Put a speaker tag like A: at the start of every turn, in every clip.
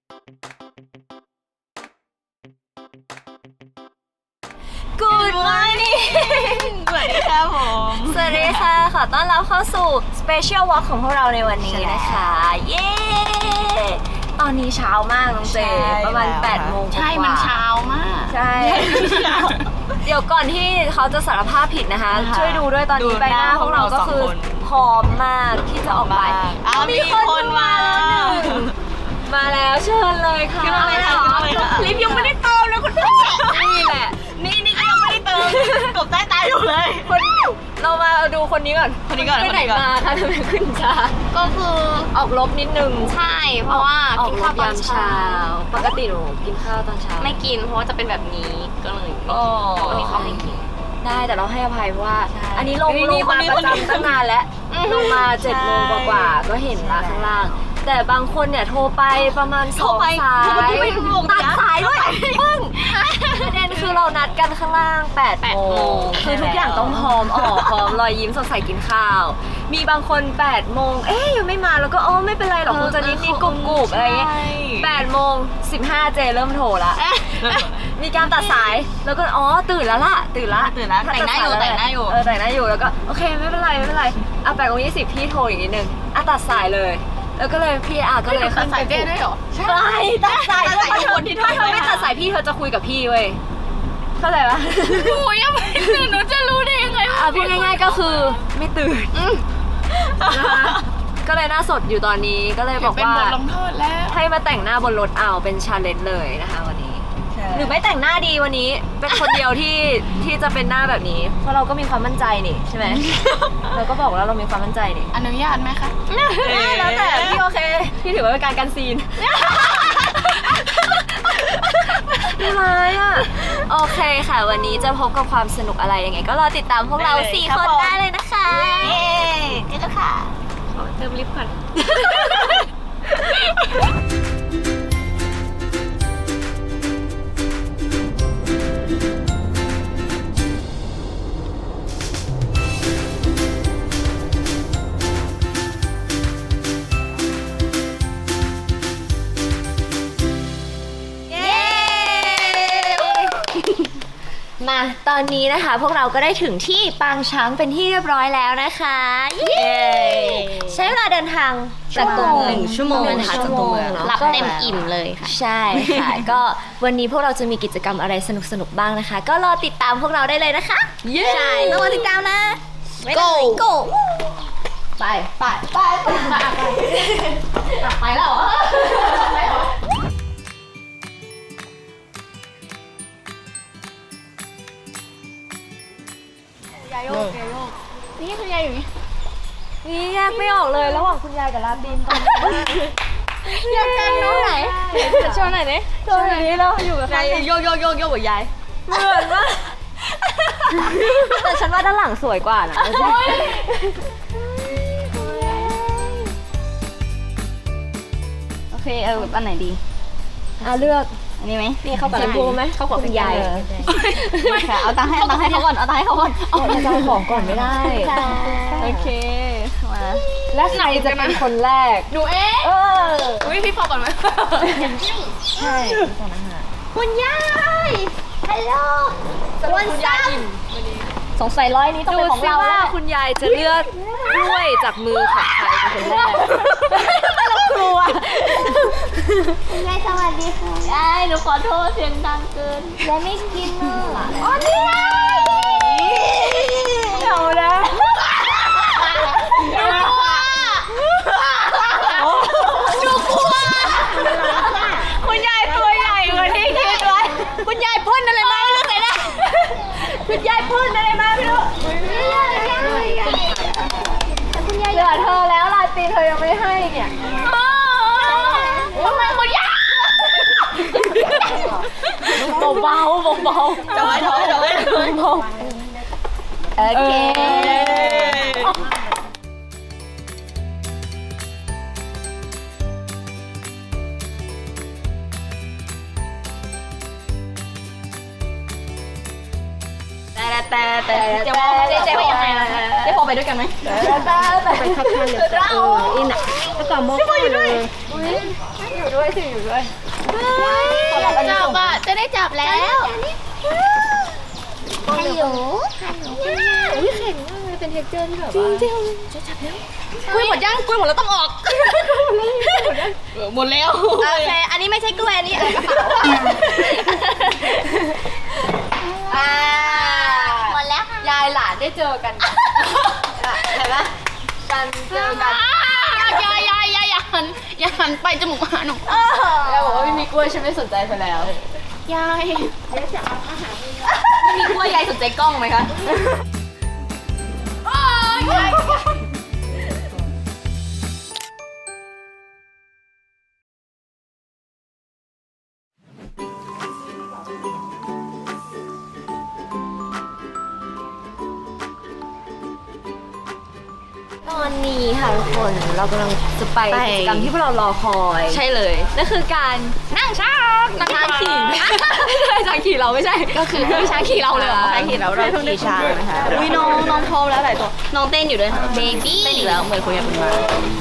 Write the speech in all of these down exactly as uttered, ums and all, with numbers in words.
A: Good morning
B: สวัสดีค่ะผม
A: สวัสดีค่ะขอต้อนรับเข้าสู่ Special Walk ของพวกเราในวันนี้นะคะ เย้ ตอนนี้เช้ามากน้องเจประมาณแปดโมงกว่า
B: ใช่มันเช้ามาก
A: ใช่ เดี๋ยวก่อนที่เขาจะสารภาพผิดนะคะ ช่วยดูด้วยตอนนี้ใบหน้าของเราก็คือพร้อมมากที่จะออกไป
B: อ้าวมีคนมาแล้ว
A: มาแล้วเชิญเลยค่ะ
B: ขึ้นมาเลยค่ะขึ้นมาเลยค่ะ
A: ลิฟต์ยังไม่ได้เติมเลยคุณพี่นี่แหละ
B: นี่นี่ก็ยังไม่ได้เติมกบใต้ตาอยู่เลย
A: คนเรามาดูคนนี้ก่อน
B: คนนี้ก่อน
A: ไปไหน
B: คนนี้ก่อน
A: มาคะทำไมขึ้นช้า
B: ก็คือ
A: ออกลบนิดนึง
B: ใช่เพราะว่า
A: ออก
B: กิน
A: ร
B: ข้าว
A: บ
B: ตอย
A: าน ม
B: เช้า
A: เช้า ปกติหนูกินข้าวตอนเช้า
B: ไม่กินเพราะว่าจะเป็นแบบนี้ก็เลย
A: อ๋อ
B: วันนี้เขาไม่กิน
A: ได้แต่เราให้อภัยเพราะว่า
B: ใช่
A: อันนี้ลง
B: นี่
A: ล
B: นี่
A: งมา
B: คนนี้
A: ประ
B: คนนี้
A: จำตั้งนานแล้ว
B: อืม
A: ลงมาเจ็ดโมง
B: ใช่
A: กว่าๆก็เห็นละข้างล่าง แต่บางคนเนี่ยโทรไปประมาณส
B: โทร
A: อง
B: ไป
A: สาย
B: โทรไปไม่ถูกนะ
A: ตัดสายด้วยปึ้งประเด็นคือเรานัดกันข้างล่างแปด
B: แปด
A: โม
B: โม
A: ง
B: ง
A: คือทุกอย่างต้องพร้อมออกพร้อมรอยยิ้มสดใสกินข้าว มีบางคนแปดโมงเอ๊ยยังไม่มาแล้วก็อ๋อไม่เป็นไรหรอกคงจะนิดๆกุบๆอะไรเงี้ย
B: ใช่
A: แปดโมงสิบห้าเจเริ่มโทรละ มีการตัดสายแล้วก็อ๋อตื่นแล้วล่ะตื่นละ
B: ตื่นแล้วแต่งหน้าอยู่แต่งหน้าอยู่
A: เออแต่งหน้าอยู่แล้วก็โอเคไม่เป็นไรไม่เป็นไรอ่ะแปดโมงยี่สิบพี่โทรอีกนิดนึงอ่ะตัดสายเลย แล้วก็เลยพี่อ่ะก็เลย
B: ตัดสายเจ้ด้วยเหรอ
A: ใช่ตัดสาย
B: ตัดสาย
A: ถ้าเธอ
B: คนที่โทร
A: ถ้าเธอ
B: ไป
A: ไม่
B: หา
A: ตัดสายพี่เธอจะคุยกับพี่เว้ยเข้าใจปะ
B: หนูยังไม่ตื่นหนูจะรู้ได้ยังไง
A: อ่ะพูดง่ายๆก็คือไม่ตื่นนะคะก็เลยหน้าสดอยู่ตอนนี้ก็เลยบอก
B: เป็น
A: ว่า
B: บทลงโทษแล้ว
A: ให้มาแต่งหน้าบนรถเอาเป็นชาเลนจ์เลยนะคะวันนี้ หรือไม่แต่งหน้าดีวันนี้เป็นคนเดียวที่ที่จะเป็นหน้าแบบนี้ เพราะเราก็มีความมั่นใจนี่ใช่ไหม เราก็บอกแล้วเรามีความมั่นใจนี่
B: อนุญาตไหมคะ
A: แล้วแต่พี่โอเคพี่ถือว่าเป็นการกันซีนไม่ร้ายอ่ะโอเคค่ะ วันนี้จะพบกับความสนุกอะไรยังไง ก็รอติดตามพวกเรา
B: ได้เลย
A: สี่
B: ครับ
A: คน
B: ผม
A: ได้เลยนะคะ
B: เย้เจ๊ค่ะ
A: ขอเติมลิฟต์ก่อน เย้ มาตอนนี้นะคะ พวกเราก็ได้ถึงที่ปางช้างเป็นที่เรียบร้อยแล้วนะคะเย้ใช้เวลาเดินทางจากตัวเมือง
B: หนึ่งชั่วโมง
A: หนึ่ง
B: นะคะ
A: ชั่วโมง
B: จากตัวเมือง
A: เนอะ
B: หลับ
A: ก็
B: เต็มอิ่มเลยค่ะ
A: ใช่ค่ะ ก็วันนี้พวกเราจะมีกิจกรรมอะไรสนุกๆบ้างนะคะ ก็รอติดตามพวกเราได้เลยนะคะ
B: เย้
A: ใช่ต้องรอติดตามนะ
B: Go
A: Go ไปไปไปไปไปไปแล้วเหรอไปเหรอยายโยกยายโยก
B: นี่คือยายอยู่นี่
A: นี่แยกไม่ออกเลยระหว่างคุณยายกับลาตินตอนนี้
B: อยากกันน้องไหนจะโชว์หน่อยดิ
A: ตอนนี้เราอยู่กับใคร
B: ยายโยกโยกโยกโยกกับยาย
A: เหมือนมากแต่ฉันว่าด้านหลังสวยกว่านะ
B: โอเคเอาอันไหนดี
A: อ่ะเลือก
B: อันนี้ไหม
A: นี่เข้ากับชมพูไหมเข้ากับคุณยาย
B: ไม่ค่ะเอาตังค์ให้เอาตังค์ให้เขาก่อนเอาตังค์ให้เขาก่อน
A: เอาจะเอาของก่อนไม่ได้
B: โอเคมา
A: และใครจะเป็นคนแรก
B: หนูเอง
A: เออ
B: อุ้ยพี่พอก่อนไหม
A: ใช่ก่อนอาหาร
B: คุณยายฮัลโหล
A: วันซับ
B: สงสัยร้อยนี้ต้อง
A: ดู
B: เป็นของ
A: สิ
B: เรา
A: ว่า
B: แล้ว
A: คุณยายจะเลือกกล้วยจากมือของใครเป็นคนแรกเรากลัว
B: คุณยายสวัสดีค่ะยายหนูขอโทษเสียงดังเกินยายไม่กินเนอะอ๋อนี่ไง
A: เดี๋ยวนะ
B: หนูกลัวหนูกลัว
A: คุณยายตัวใหญ่กว่าที่คิดไว้คุณยายพ่นอะไรมาไม่รู้แต่นะคุณยายพ่นอะไรมาไม่รู้เหลือเธอแล้วลาตีนเธอยังไม่ให้เนี่ย
B: ทำไมคุณยาย
A: เบาเบาเบาเบา
B: จะไว้จะไว้จะไว้
A: เบาโอเคแต่แต่แต่เจ๊โฟเจ๊โฟยังไงล่ะเจ๊โฟไปด้วยกันไหมแต่แต่ไปคัดคันเลยเอออินอ่ะแล้วก็มองอยู่ด้วยอยู่ด้วยสิอยู่ด้วย
B: อยากจับอ่ะจะได้จับแล้วฮัลโหลฮัลโหลอุ้ยแข็งมากเลยเป็นเท็กเจอร์ที่แบบว่าจริงๆจะจับแล้วกล้วยหมดยังกล้วยหมดแล้วต้องออกหมดแล้วโอเคอันนี้ไม่ใช่กล้วยอันนี้อะไรกระเป๋าหมดแล้วค่ะ
A: ยายหลานได้เจอกันเห็นไหมกันเจอกัน
B: ยายยายยายอย่าหันอย่าหันไปจมูกหาหนู
A: ยายบอกว่าไม่มีกล้วยฉันไม่สนใจเธอแล้ว
B: ยาย
A: ไม่มีกล้วยยายสนใจกล้องไหมคะตอนนี้ค่ะทุกคนเรากำลังจะไปกิจกรรมที่พวกเรารอคอย
B: ใช่เลย
A: นั่นคือการนั่งช้างนั่งช้างขี่ช้างขี่เราไม่ใช่
B: ก็คือช้างขี่เราเลยช้างขี่เราเราขี่ช้างนะคะอุ้ยน้องน้องพร้อมแล้วหลายตัวน้องเต้นอยู่ด้วยเบบี้เต้นอีกแล้วเหมือนคุยกับคุณมา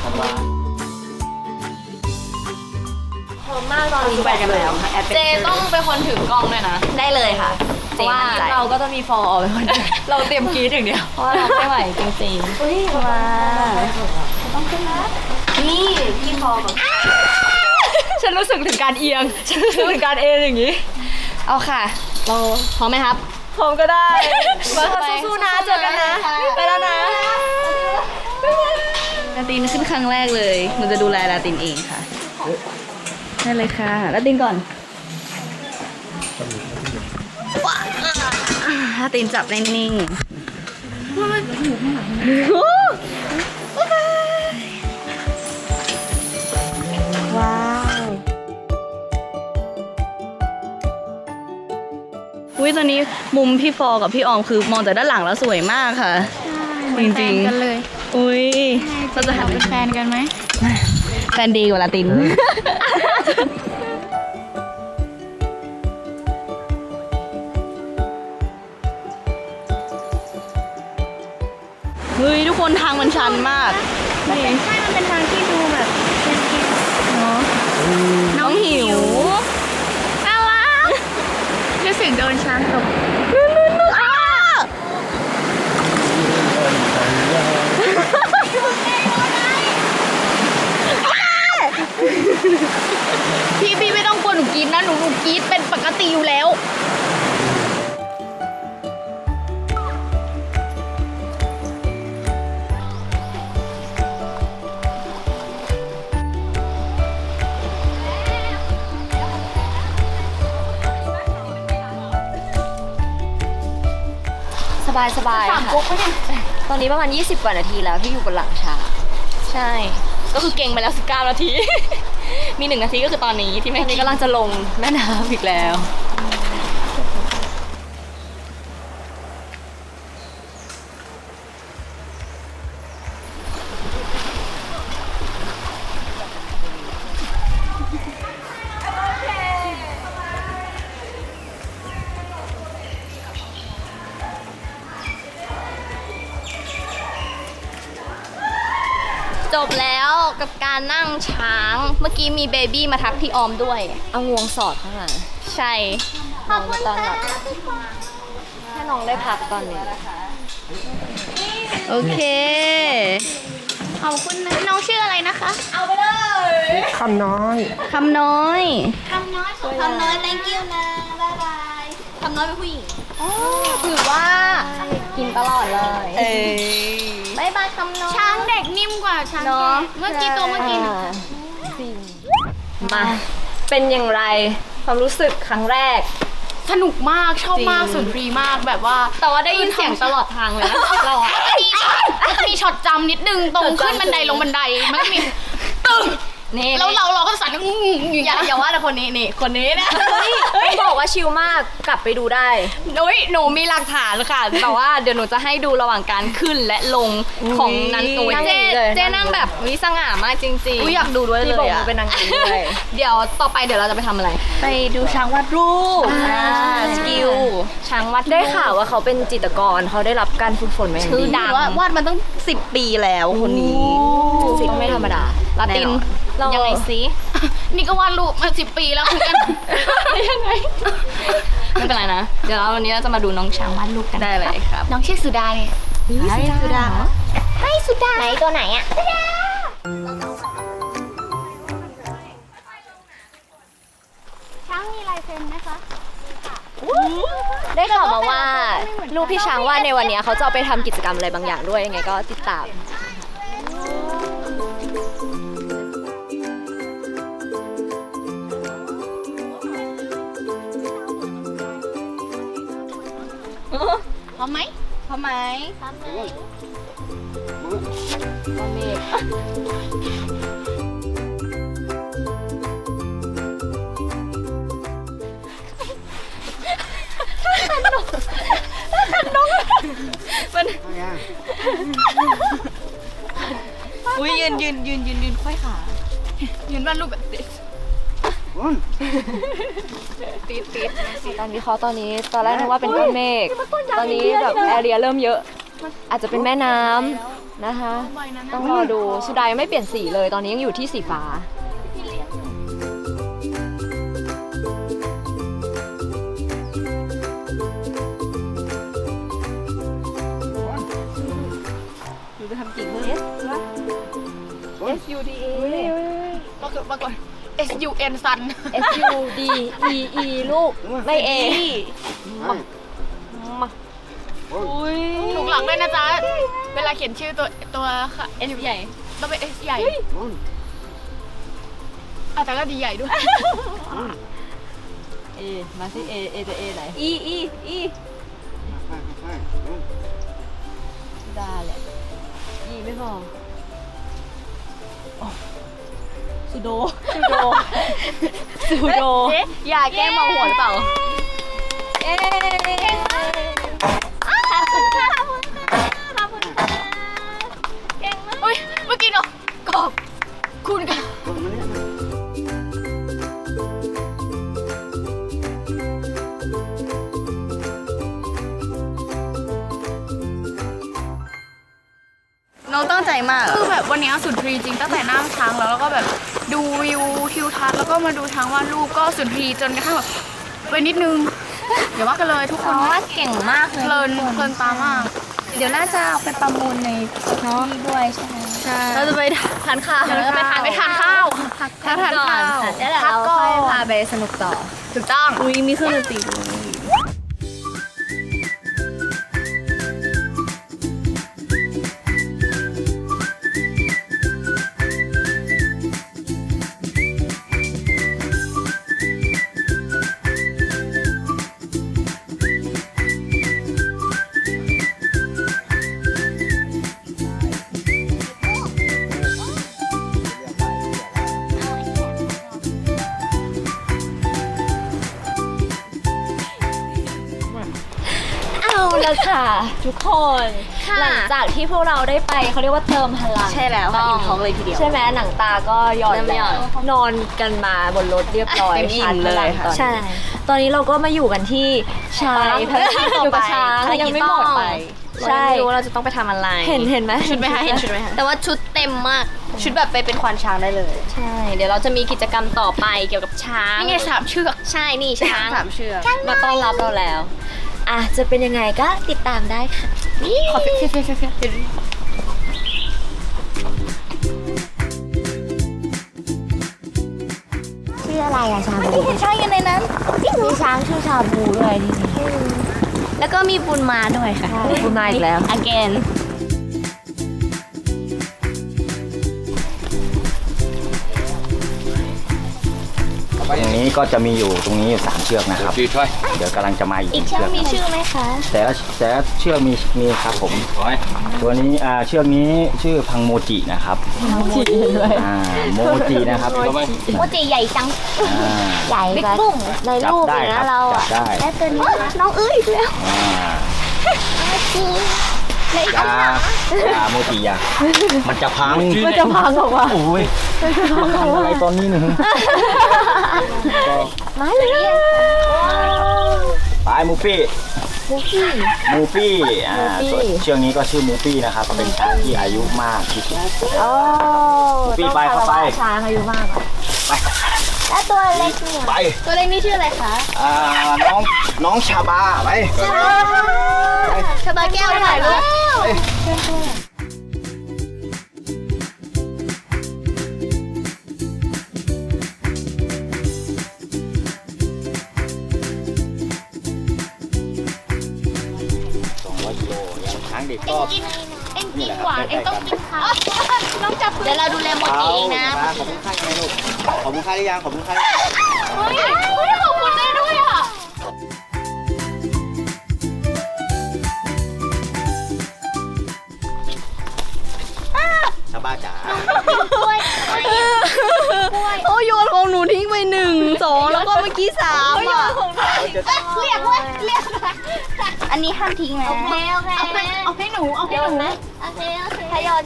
A: พร้อมมากตอนนี้
B: ไปกันแล้วค่ะเจต้องเป็นคนถือกล้องด้วยนะ
A: ได้เลยค่ะเพราะว่าเราก็จะมีฟอร์เป็นคนเราเตรียมกรีดอย่างเดียว
B: เพราะเราไม่ไหวจริงๆอุ้ยมาต้องขึ้นนะ
A: นี่พี่ฟอร์แบบฉันรู้สึกถึงการเอียงฉันรู้สึกถึงการเอ็นอย่างนี้
B: เอาค่ะเราพร้อมไหมครับ
A: พร้อมก็ได้มาสู้ๆนะเจอกันนะไปแล้วนะ
B: ลาตินขึ้นครั้งแรกเลยหนูจะดูแลลาตินเองค่ะได้เลยค่ะลาตินก่อนถ้าตีนจับนิ่งๆว้าวอุ้ยตอนนี้มุมพี่ฟอกับพี่ออมคือมองจากด้านหลังแล้วสวยมากค่ะจริงๆกันเลยอุ้ยเราจะหันเป็นแฟนกันไหมแฟนดีกว่าลาตินเฮ้ยทุกคนทางมันชันมากนี่ใช่มันเป็นทางที่ดูแบบเนาะน้องหิวน่ารักรู้สึกโดนช้างตกพี่พี่ไม่ต้องกลัวหนูกรี๊ดนะหนูหนูกรี๊ดเป็นปกติอยู่แล้ว
A: สบายสบายค่ะตอนนี้ประมาณยี่สิบกว่านาทีแล้วที่อยู่บนหลังช้าง
B: ใช่ก็คือเก่งไปแล้วสิบเก้านาทีมีหนึ่งนาทีก็คือตอนนี้ที่แม่
A: นี้กำลังจะลงแม่น้ำอีกแล้ว
B: จบแล้วกับการนั่งช้างเมื่อกี้มีเบบี้มาทักพี่ออมด้วย
A: เอางวงสอดข้างหลัง
B: ใช่
A: ขอบคุณค่ะให้น้องได้พักตอนนี้
B: โอเคขอบคุณนะน้องชื่ออะไรนะคะเอาไปเลย
C: คำน้อย
B: คำน้อย
A: คำน้อยคำน้อย thank you นะบ๊ายบาย
B: คำน้อยเป็นผู้หญิง
A: ถือว่ากินตลอดเลย
B: เอ้
A: บายบายคำน้อย
B: ช้างเด็กนิ่มกว่าช้างเมื่อกี้ตัวเมื่อกี้
A: มาเป็นอย่างไรความรู้สึกครั้งแรก
B: สนุกมากชอบมากสุนทรีมากแบบว่า
A: แต่ว่าได้ยินเสียงตลอดทางเลยนะเรา
B: มีช็อตมีช็อตจำนิดนึงตรงขึ้นบันไดลงบันไดมันก็มีตึ้งนี่แล้วเราเราก็สั่นอยู่อย่าอย่าว่าแต่คนนี้นี่คนนี้นะ
A: ต้องบอกว่าชิลมากกลับไปดูได้
B: โอ้ยหนูมีหลักฐานค่ะแต่ว่าเดี๋ยวหนูจะให้ดูระหว่างการขึ้นและลงของนันตุย
A: นั่ง
B: เจ๊
A: เลย
B: เจ๊นั่งแบบวิสง่ามากจริงๆ
C: อยากดูด้วยเล
A: ที่บอก
C: ย
A: ว่า
C: อะ
A: เป็นนางงามด้วย
B: เดี๋ยวต่อไปเดี๋ยวเราจะไปทำอะไร
C: ไปดูช้างวาดรูป
B: อ่าสกิลช้างวัด
A: ได้ข่าวว่าเขาเป็นจิตรกรเขาได้รับการฝึกฝนมาอย่าง
B: ชื่อ
A: ดี
B: ดัง
C: ว่าวาดมันต้องสิบปีแล้วคนนี้
A: สิ่งไม่ธรรมดา
B: ลาติน
A: เรายั
B: ยังไงซินี่ก็วาดรูปมาสิบปีแล้วคุยกันยังไงไม่เป็นไรนะเดี๋ยวเราวันนี้เราจะมาดูน้องช้างวาดรูปกันได้เลยครับน้องชื่อสุดาเนี่ย
C: สุดา
B: ให้สุดาไหนตัวไหนอ่ะ
D: ช้างมีลายเซ็นไหมคะ
A: ได้ข่าวมาว่าลูกพี่ช้างว่าในวันนี้เขาจะเอาไปทำกิจกรรมอะไรบางอย่างด้วยยังไงก็ติดตาม
B: พร้อมไหม
C: ทำไม
A: เมฆ
C: อุ้ยยืนยืนยืนยืนยืนค่อยขา
B: ยืนวาดรูปแบบติดติดติด
A: การวิเคราะห์ตอนนี้ตอนแรกนึกว่าเป็นก้อนเมฆตอนนี้แบบแอเรียเริ่มเยอะ อาจจะเป็นแม่น้ำนะคะ ต้องรอดูสุดายังไม่เปลี่ยนสีเลย ตอนนี้ยังอยู่ที่สีฟ้า
C: หนูจะทำกิ่งเพิ่ม
A: S U D A
B: ปรากฏปรากฏ S U N ซัน
A: S U D E E ลูกไม่ A มา
C: อุ้ย
B: ถูกหลักด้วยนะจ๊ะ เวลาเขียนชื่อตัวตัวค่ะ S ใหญ่ต้องเป็น S ใหญ่อ่ะแต่ก็ดีใหญ่ด้วย
C: เอมาสิเอเอจะเอไหน
A: E E E
C: ดาแหละ
A: E ไม่พอ
C: สุโด
A: สุโดสุโด
B: เอ๊ะอย่าแกล้งเมาหัวหรือเปล่า
A: เอ๊ะ
D: ขอบคุณค่ะขอบคุณค่ะขอบคุณค่ะเก่งมาก
B: อุ้ยเมื่อกี้เนาะกอบคุณกันน้องตั้งใจมากคือแบบวันนี้สุนทรีจริงตั้งแต่นั่งช้างแล้วแล้วก็แบบดูวิวทิวทัศน์แล้วก็มาดูช้างวาดรูปก็สุนทรีจนกระทั่งแบบไปนิดนึงเดี๋ยวว่ากันเลยทุกคนว่าเก่งมากเลยเพลินเพลินตามาก เดี๋ยวน่าจะเอาไปประมูลในที่ด้วยใช่ไหมใช่
C: เราจะไปทานข้าว
B: เดี๋ยวเราจะไปทานไปทานข้าวทานทานข้าว
A: แล้วเดี๋ยวเราค่อยพาไปสนุกต่อ
B: ถูกต้อง
C: อุ้ยมีเครื่องดนตรีด้วย
A: เอาละค่ะ ทุกคน หลังจากที่พวกเราได้ไปเขาเรียกว่าเติมพลัง
C: ใช่แล้วค่ะอิ่มท้องเลยทีเดียว
A: ใช่ไหมหนังตาก็หย่อน
C: เริ่มหย่อน
A: แล้วนอนกันมาบนรถเรียบร้อย
C: เต็มอิ่มเลยค่ะ
A: ใช่ ตอนนี้เราก็มาอยู่กันที่ช้าง
C: ไปภารกิจต่อไป
A: อยู่กับช้าง
C: ภารกิจ
A: ยังไม่หมด
C: ต่อ
A: ไป
C: ใช่
A: ใช่
C: ไม่รู้ว่าเราจะต้องไปทำอะไร
A: เห็นเห็นไหม
C: ชุดไหมคะเห็นชุดไหมคะ
B: แต่ว่าชุดเต็มมาก
C: ชุดแบบไปเป็นควานช้างได้เลย
B: ใช่ เดี๋ยวเราจะมีกิจกรรมต่อไปเกี่ยวกับช้าง
C: นี่ไงสามเชือก
B: ใช่นี่ช้าง
C: สามเชือก
A: มาต้อนรับเราแล้ว อ่ะจะเป็นยังไงก็ติดตามได้ค่ะ
C: ขอเฟี้ยวเฟี้ยวเฟี้ยวเฟี้ยว
A: ชื่ออะไรอะชาบู
C: มีช้างอยู่ในนั้น
A: มีช้างชื่อชาบูด้วยนี่
B: แล้วก็มีบุญมาด้วยค่ะ
A: คุณมาอีกแล้ว
B: again
E: ตรงนี้ก็จะมีอยู่ตรงนี้อยู่สามเชือกนะครับ เดี๋ยวกำลังจะมาอีก
B: อีก
E: หนึ่ง
B: เชือก
E: เชือก
B: มีชื่อไหมคะ
E: แต่ละแต่ละเชือกมีมีครับผมตัวนี้อ่าเชือกนี้ชื่อพังโมจินะครับโมจิด้วยอ่าโมจินะครับ
C: โมจิใหญ่จัง
E: อ่า
C: ใหญ่
A: บิ๊ก
C: แบบ
A: บุ้งใน
E: จับ
A: รูป
E: ได้
A: เลย
E: ครั
A: นะ
E: บ
A: เรา
E: จั
A: อ่ะ
E: บได้
C: และตัวนี้น้องเอ้ยอีกแล้ว
E: อ่าอยาอยาโมจิอยามันจะพัง
A: มันจะพังออกมา
E: โอ้ยทำอะไรตอนนี้หนึ่ง
A: มาเลย
E: ไปมูฟี่
A: มูฟี่
E: มูฟี่อ่า
A: มูฟี่
E: ส่วนเชือกนี้ก็ชื่อมูฟี่นะครับเป็นช้างที่อายุมากที่สุด
A: โอ้
E: มูฟี่ไปเข้าไป
A: ช้างอายุมากอะ
E: ไป
C: และตัวเล็กเนี่ย
E: ไป
C: ตัวเล็กนี่ชื่ออะไรคะ
E: อ่าน้องน้องชาบาไป
C: ชาบาแก้วถ่ายรูป
E: สองร้อยกิโลยังช้างเด็กก็
C: เอ็งกินหวานเอ็งต้องกินข้าวน้องจับเดี๋ยวเราดูแลโมจิเองนะ
E: ขอบคุณค่าไงลูกขอบคุณค่าหรือยังขอบคุณค่าหรือยัง
C: เฮ้ยเฮ้ยขอบคุณได้ด้วยอ่ะ
E: ชาบาจ๋า
B: โอ้โยนของหนูทิ้งไปหนึ่งสองแล้วก็เมื่อกี้สามอ่ะ
C: เรียกว่าเรียกอันนี้ห้ามทิ้งนะ
D: โอเคโอเค
C: เอาไปเอาให้หนูเอาให้หนู
D: โอเคโอเค
C: ทยอยจะ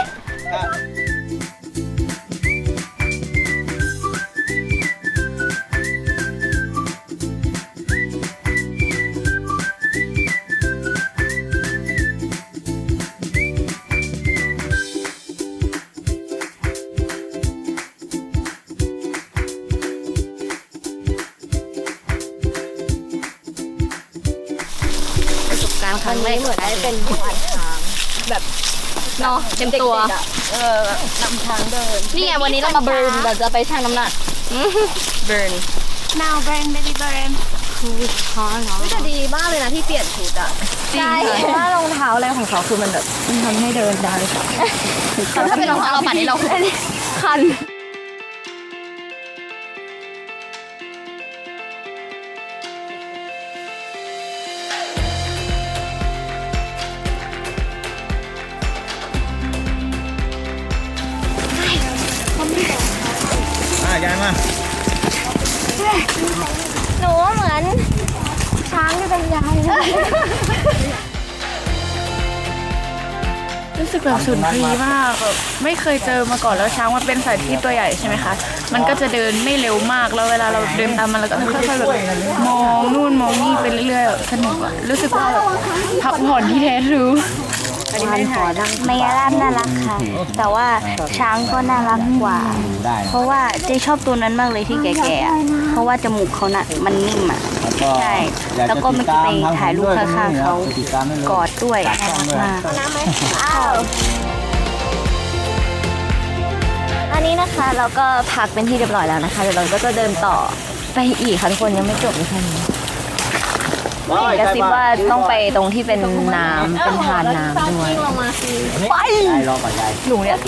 A: ประสบการณ์ครั้งแรกเหมือนได้เป็นควานช้างแบบ
B: เนาะเต็มตัว
A: ด็กๆอะเออแบบนำช้างเดิน
B: นี่ไงวันนี้เรามาเบิร์นเราจะไปชั่งน้ำหนักเบิร์น
C: now burn baby burn
A: ไม่แต่ดีมากเลยนะที่เปลี่ยนชุดอ่ะ
B: จริง
A: ใช่เพราะว่ารองเท้าอะไรของเขาคือมันแบบมันทำให้เดินได้
B: แต่ถ้าเป็นรองเท้าเราปั่นนี่เราคัน
E: อ่ายายมา
C: หนูเหมือนช้างที่เป็นยายเลย
F: รู้สึกแบบสุนทรีมากแบบไม่เคยเจอมาก่อนแล้วช้างมันเป็นสัตว์ที่ตัวใหญ่ใช่ไหมคะ มันก็จะเดินไม่เร็วมากแล้วเวลาเราเดินตามมันเราก็ค่อยๆแบบมองนู่นมองนี่ไปเรื่อยๆแบบสนุกอะรู้สึกว่าแบบพักผ่อนที่แท้ทรู
C: มายาลาบน่ารักค่ะ แต่ว่าช้างก็น่ารักกว่า
E: ได้
C: เพราะว่าเจ๊ชอบตัวนั้นมากเลยที่แก่ๆอะเพราะว่าจมูกเขาน่ะมันนิ่มอ่ะ ใช่ แล้วก็เมื่อกี้ไปถ่ายรูปข้างๆเขากอดด้วยน่ารักมาก
A: อันนี้นะคะเราก็พักเป็นที่เรียบร้อยแล้วนะคะเดี๋ยวเราก็จะเดินต่อไปอีกค่ะทุกคนยังไม่จบเลยแค่นี้กระซิบว่าต้องไปตรงที่เป็นน้ำเป็นทานน้ำด้วย
E: ไปยายรอก่อนยาย
A: หนูเนี่ยไป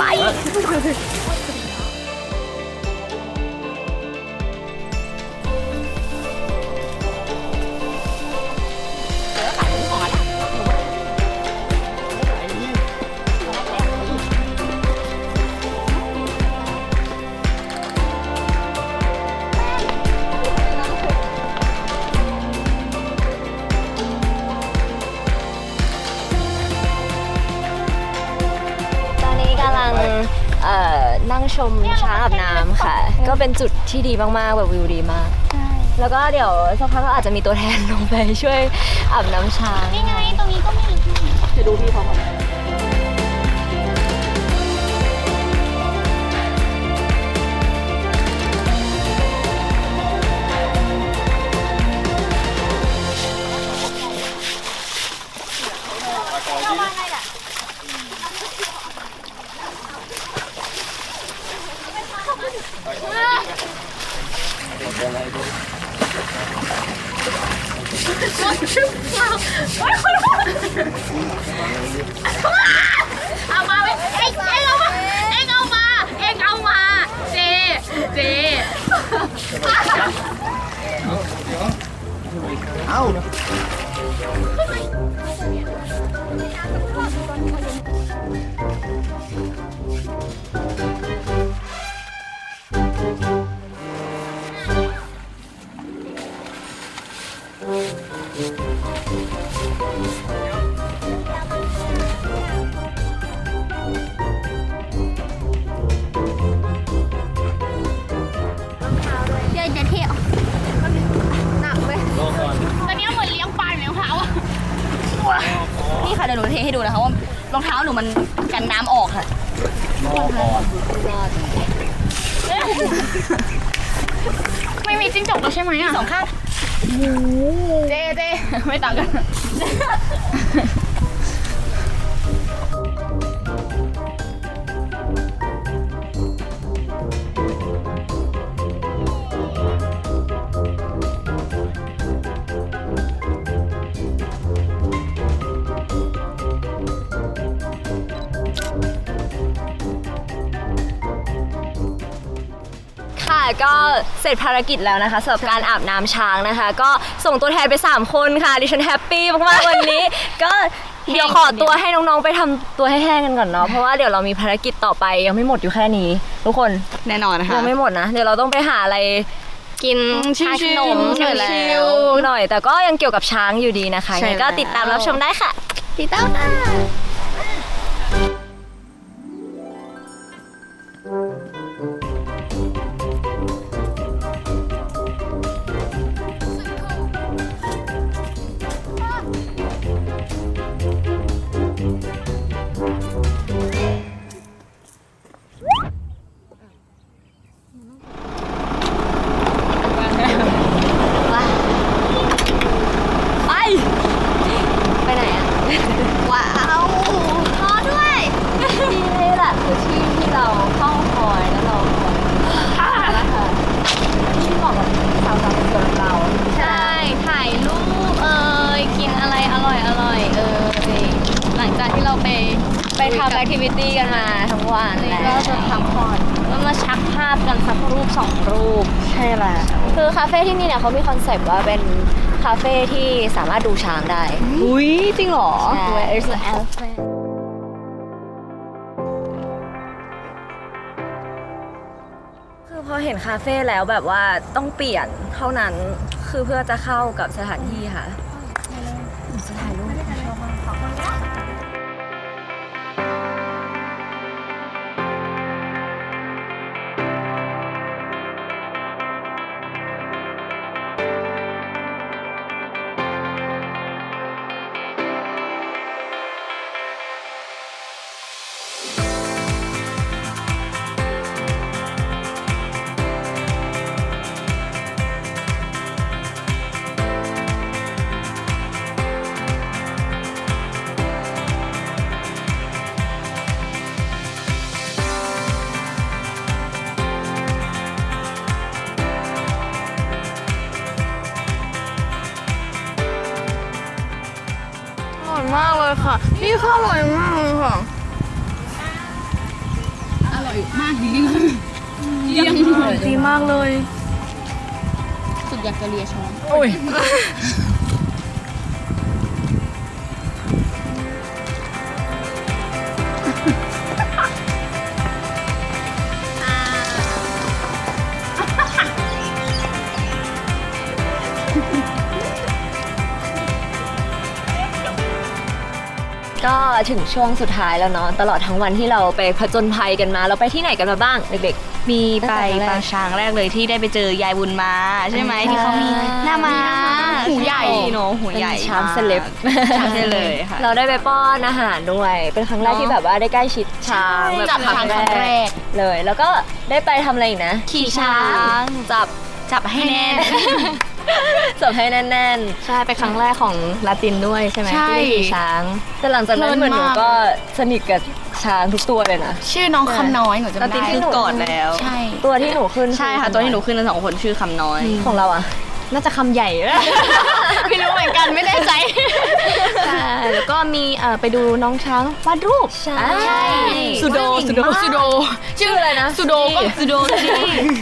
A: ตอนนี้กำลังเอ่อนั่งชมช้างอาบน้ำค่ะ ก็เป็นจุดที่ดีมากๆแบบวิวดีมาก แล้วก็เดี๋ยวสักพักก็อาจจะมีตัวแทนลงไปช่วยอาบน้ำช้าง
C: นี่ไงตรงนี้ก็มี
A: จะดูพี่เขาก่อน
B: เอามาเอ็งเอ็งเอามาเอ็งเอามาเอ็งเอามาเจเจ
E: เอ้า
C: เดี๋ยวจะเที่ยว
A: หนักเว้ย
F: ตอนนี้เหมือนเลี้ยงปลาอยู่ในรองเท้าอะ
C: นี่ค่ะเดี๋ยวหนูเทให้ดูนะคะว่ารองเท้าหนูมันกันน้ำออกค่ะ
F: ไม่มีจิ้งจกแล้วใช่ไหมอะ
C: สองข้าง
F: เจเจไม่ต่างกัน
A: ค่ะก็เสร็จภารกิจแล้วนะคะสำหรับการอาบน้ำช้างนะคะ ก็ส่งตัวแทนไปสามคนค่ะดิฉันแฮปปี้มากๆวันนี้ ก็เดี๋ยวขอตัวให้น้องๆไปทำตัวให้แห้งกันก่อนเนาะเพราะว่าเดี๋ยวเรามีภารกิจต่อไปยังไม่หมดอยู่แค่นี้ ทุกคน
C: แน่นอนนะคะ
A: ยังไม่หมดนะเดี๋ยวเราต้องไปหาอะไรกิน
C: ชิลๆ
A: ขนม
C: หน่อยแล้ว
A: ชิลๆหน่อย แต่ก็ยังเกี่ยวกับช้างอยู่ดีนะคะ
C: ใช่
A: ยังไงก็
C: แล้ว
A: ติดตามรับชมได้ค่ะ
C: ติดตามค่ะ
A: ไป ไปไหนอะ
C: ว้าวรอด้วย
A: ที่นี่แหละคือที่ที่เราเข้าคอยแล้วเราคอยแล้วค่ะที่เหมาะกับสาวๆคนเรา
C: ใช่ ถ่ายรูปเอ่ยกินอะไรอร่อยอร่อยเอ่ยหลังจากที่เราไป
A: ไปทำแอคทิวิตี้กันมาทั้งวัน
C: นี่
A: แล้ว
C: ก็จะพักผ่อนแล้วมาชักภาพกันสักรูปสองรูป
A: ใช่แหละคือคาเฟ่ที่นี่เนี่ยเขามีคอนเซปต์ว่าเป็นคาเฟ่ที่สามารถดูช้างได้
C: อุ้ยจริงเหรอ
A: ใช่
C: Where is the elephant
A: คือพอเห็นคาเฟ่แล้วแบบว่าต้องเปลี่ยนเท่านั้นคือเพื่อจะเข้ากับสถานที่ค่ะจะถ่ายรูปชอบมาก
F: อร่อยมากเลยค่ะ นี่ข้าวอร่อยมากเลยค่ะ อร่อยมากจริงๆยังอร่อยดีมากเลย สุดอยากจะเลียช้อนโอ้ย
A: ก็ถึงช่วงสุดท้ายแล้วเนาะตลอดทั้งวันที่เราไปผจญภัยกันมาเราไปที่ไหนกันมาบ้างเด็ก
C: มีไปปางช้างแรกเลยที่ได้ไปเจอยายบุญมาใช่ไหมที่เขามีหน้าม้า
F: หูใหญ่
C: เนอะหู
A: ๆ
C: ใหญ่
A: เป็นช้างเซเลบ
C: ช้างเซเลบค่ะ
A: เราได้ไปป้อนอาหารด้วยเป็นครั้งแรกที่แบบว่าได้ใกล้ชิดช้าง
C: ใช่
A: แบบ
F: จับช้างครั้งแรก
A: เลย แล้วก็ได้ไปทำอะไรอีกนะ
C: ขี่ช้าง
A: จับ
C: จับให้แน่น
A: จับให้แน่น
C: ใช่ไปครั้งแรกของลาตินด้วยใช่ไหม
F: ใช่
A: ๆที่ได้ขี่ช้าง แต่หลังจากนั้น
F: เพลิน
A: เหมือนหนู
F: มาก
A: ก็สนิทกับช้างทุกตัวเลยนะ
F: ชื่อน้องคำน้อยหนูจำ
C: ลาติน
F: ได้
C: คือกอดแล้ว
F: ใช่
A: ตัวที่หนูขึ้น
C: ใช่ค่ะตัวที่หนูขึ้นกันสองคนชื่อคำน้อย
A: ของเราอ่ะ
C: น่าจะคำใหญ่
F: ไม่รู้เหมือนกันไม่แน่ใจ
C: ใช่แล้วก็มีเอ่อไปดูน้องช้างวาดรูป
A: ใช่
C: ใช่
F: สุโดสุโดสุโด
A: ชื่ออะไรนะ
F: สุโดก็
C: สุโดนี่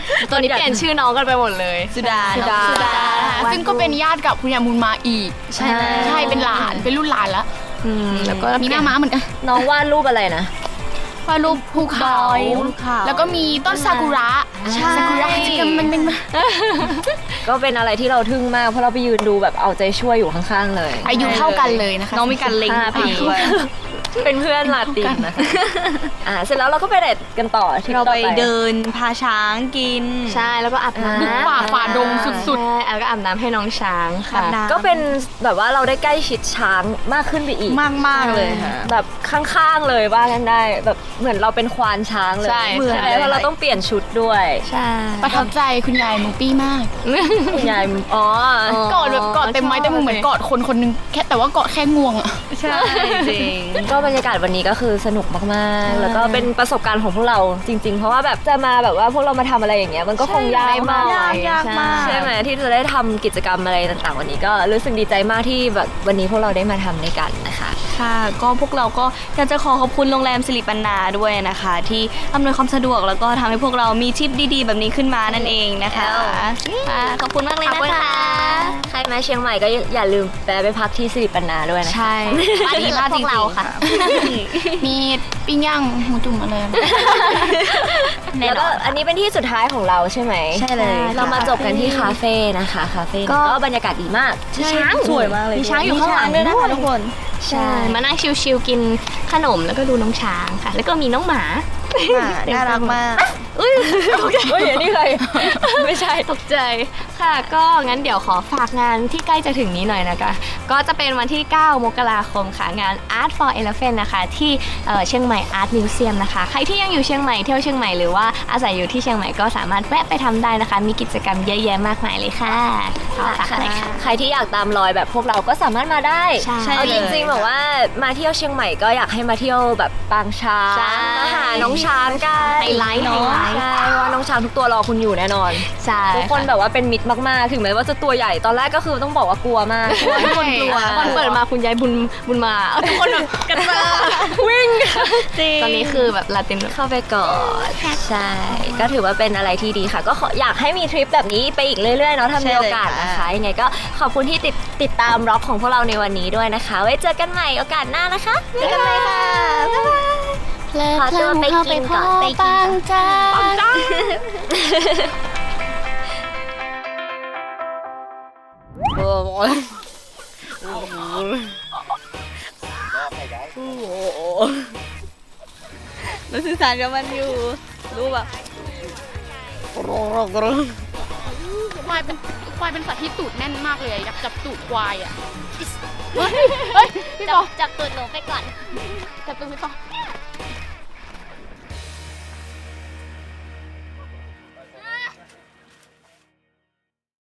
B: ตอนนี้เปลี่ยนชื่อน้องกันไปหมดเลย
C: สุดา
A: สุดา
C: สุดา
F: ซึ่งก็เป็นญาติกับคุณยายบุญมาอีก
A: ใช่
F: ใช่เป็นหลานเป็นรุ่นหลานแล้ว
B: อืมแล้วก็
F: มีหน้าม้าเหมือนกัน
A: น้องวาดรูปอะไรนะ
F: วาดรูปภูเขา
C: ภูเขา
F: แล้วก็มีต้นซากุระ
A: ใช่
F: ซากุระที่มันเป็น
A: ก็เป็นอะไรที่เราทึ่งมากเพราะเราไปยืนดูแบบเอาใจช่วยอยู่ข้างๆเลย
F: อายุเท่ากันเลยนะคะ
C: น้องมีการเล็ง
A: ห้าปี
C: ด้วย
A: เป็นเพื่อนลาตินนะคะอ่าเสร็จแล้วเราก็ไปเด็ดกันต่อที่
C: เรา
A: ต่อ
C: ไปเดินพาช้างกิน
B: ใช่แล้วก็อาบน้ำ
F: บุกป่าฝ่าดงสุด
B: ใช่แล้วก็อาบน้ำให้น้องช้างค่ะ
C: อาบน้ำ
A: ก็เป็นแบบว่าเราได้ใกล้ชิดช้างมากขึ้นไปอีก
C: มากมากๆเลยค่ะ
A: แบบข้างๆเลยว่ากันได้แบบเหมือนเราเป็นควานช้างเลย
B: ใช่
A: เหมือน
B: ใช่
A: เพราะเราต้องเปลี่ยนชุดด้วย
B: ใช่
F: ๆ ประทับใจคุณยายหมูปี้มาก
A: คุณยายอ๋อ
F: กอดแบบกอดเต็มไม้เต็มมือเหมือนกอดคนคนหนึงแค่แต่ว่ากอดแค่งวงอะ
C: ใช่จริง
A: ก็บรรยากาศวันนี้ก็คือสนุกมากๆ แล้วก็เป็นประสบการณ์ของพวกเราจริง ๆ เพราะว่าแบบจะมาแบบว่าพวกเรามาทำอะไรอย่างเงี้ยมันก็คงยากมาก
C: ยากยากมาก
A: ใช่ไหมที่จะได้ทำกิจกรรมอะไรต่างๆ วันนี้ก็รู้สึกดีใจมากที่แบบวันนี้พวกเราได้มาทำด้วยกันนะคะ
C: ค่ะก็พวกเราก็อยากจะขอขอบคุณโรงแรมสิริปันนาด้วยนะคะ ที่อำนวยความสะดวกแล้วก็ทำให้พวกเรามีทริปดีๆ แบบนี้ขึ้นมานั่นเองนะคะค่ะขอบคุณมากเลย
A: ขอบ
C: นะ
A: คุณ
C: คะ
A: ค่ะใครมาเชียงใหม่ก็อย่าลืมแวะไปพักที่สิริปันนาด้วยนะคะ
C: ใช่บ้านนี้บ้านพวกเราค่ะ
F: มีปิ้งย่างหมูจุ่มอะไรนะ
C: แน่
A: แล้ว
C: น
A: ก็
C: อน
A: อันนี้เป็นที่สุดท้ายของเราใช่ไหม
C: ใช่เลย
A: เรามาจบกันที่คาเฟ่นะคะคาเฟ่ก็บรรยากาศดีมาก
C: ช้างสวยมากเลย
B: มีช้างอยู่ข้างหลัง
C: ด้วยนะคะทุกคน
B: ใช่มานั่งชิลๆกินขนมแล้วก็ดูน้องช้างค่ะ แล้วก็มีน้องหมา
C: น่ารักมาก
A: เฮ้ยอันนี้ใครไม่ใช่
B: ตกใจค่ะ ก็งั้นเดี๋ยวขอฝากงานที่ใกล้จะถึงนี้หน่อยนะคะ ก็จะเป็นวันที่ เก้ามกราคมค่ะ งาน Art for Elephant นะคะ ที่เอ่อเชียงใหม่ Art Museum นะคะ ใครที่ยังอยู่เชียงใหม่เที่ยวเชียงใหม่หรือว่าอาศัยอยู่ที่เชียงใหม่ก็สามารถแวะไปทำได้นะคะ มีกิจกรรมเยอะแยะมากมายเลยค่ะขอฝากอะไรค่ะ
A: ใครที่อยากตามรอยแบบพวกเราก็สามารถมาได้
B: ใช่
A: เอาจริงๆแบบว่ามาเที่ยวเชียงใหม่ก็อยากให้มาเที่ยวแบบปางช้าง
B: ใช่
A: มาหาน้องช้างกัน
B: ไฮไลท์ไฮไลท์
A: ใช่เพราะว่าน้องช้างทุกตัวรอคุณอยู่แน่นอน
B: ใช่
A: ทุกคนแบบว่าเป็นมิตรมากๆ ถึงแม้ว่าจะตัวใหญ่ตอนแรกก็คือต้องบอกว่ากลัวมากกลัวทุกคนกลัว
B: ตอนเปิดมาคุณยายบุญบุญมาเอาทุกคนแบบกระเจิง
A: วิ่ง
B: ตอนนี้คือแบบลาติน
A: เข้าไปก่อนใช่ ก็ถือว่าเป็นอะไรที่ดีค่ะ ก็ขออยากให้มีทริปแบบนี้ไปอีกเรื่อยๆเนาะถ้ามีโอกาสนะคะยังไงก็ขอบคุณที่ติดติดตามร็อกของพวกเราในวันนี้ด้วยนะคะ ไว้เจอกันใหม่โอกาสหน้านะคะเจอกันใหม่ค่ะบ๊ายบาย ขอตัวไปกินก่อนไปกินก่อน
F: จ้า
C: รู้สื่อสารกับมันอยู่ รู้แบบ
F: ควายเป็นควายเป็นสัตว์ที่ตูดแน่นมากเลยอะอยากจับตูดควายอ่ะเฮ้ยเฮ้ยพี่ปอ
D: จับตูดหนูไปก่อน
F: จับตูดพี่ปอ